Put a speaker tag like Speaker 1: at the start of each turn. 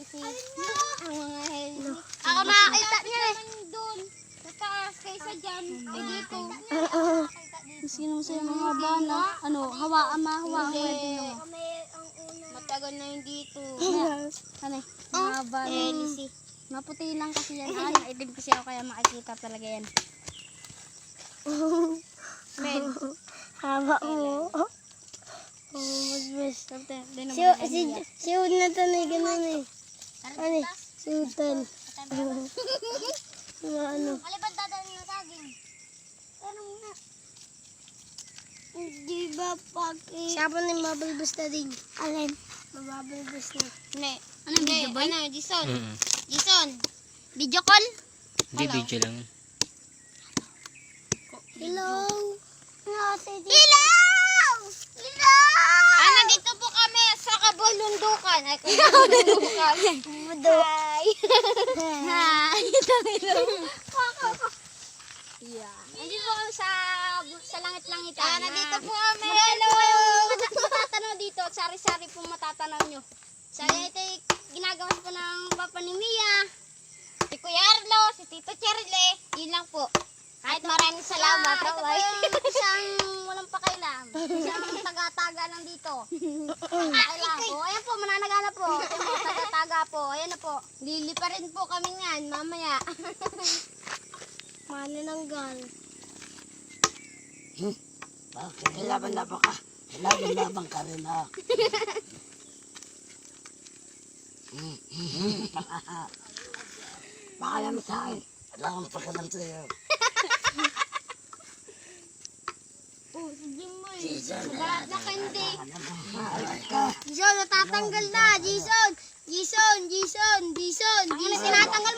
Speaker 1: healthy. Ang mga healthy.
Speaker 2: Ako nakakita niya eh.
Speaker 1: Doon. Sa taas kaysa dyan. Ay dito.
Speaker 3: Sino sa mga bana? Ano, hawaan din mo.
Speaker 1: Matagal na yung dito.
Speaker 3: Ano, mga bana.
Speaker 1: Healthy.
Speaker 3: Maputi lang kasi yan. Maitim kasi ako kaya makikita talaga yan.
Speaker 1: Men.
Speaker 2: Haba mo. Mas. Si Ud na tanay ganun eh. Ano? Si Utan. Ano?
Speaker 1: Maliban dadalhin na saging. Pero nga.
Speaker 2: Di ba pag siya po na mabulbos na din. Alin? Mababulbos na.
Speaker 1: Hindi.
Speaker 3: Anong video boy?
Speaker 1: Ano, Jason? Jason. Video call?
Speaker 4: Hindi, video lang.
Speaker 2: Hello?
Speaker 1: Hello! Hello! Nandito po kami sa Kabulundukan. Ay, Kabulundukan. Hi! Hi! Yeah. Nandito po kami sa langit-langitan. Nandito po kami. Hello! Matatanaw dito. Sari-sari po matatanaw nyo. Saya ito ginagawa po ng papa ni Mia. Si Kuya Arlo, si Tito Charlie. Yun lang po. Kahit maraming salamat. Isang walang pakailam. Isang taga-taga lang dito. Pakailam po. Ayan po, mananagana po. Ayan po, taga-taga po. Ayan na po. Lili pa rin po kami yan, mamaya.
Speaker 2: Manananggal.
Speaker 5: Bakit? Laban-laban ka. Laban-laban ka rin ha. Baka naman sa akin. Wala akong pagkalam sa'yo.
Speaker 1: Oh, si Jimmy.
Speaker 5: Jason.
Speaker 1: Balat na kandi.
Speaker 5: Aray ka.
Speaker 2: Jason, natatanggal na. Jason. Jason. Jason. Jason.
Speaker 1: Ang tinatanggal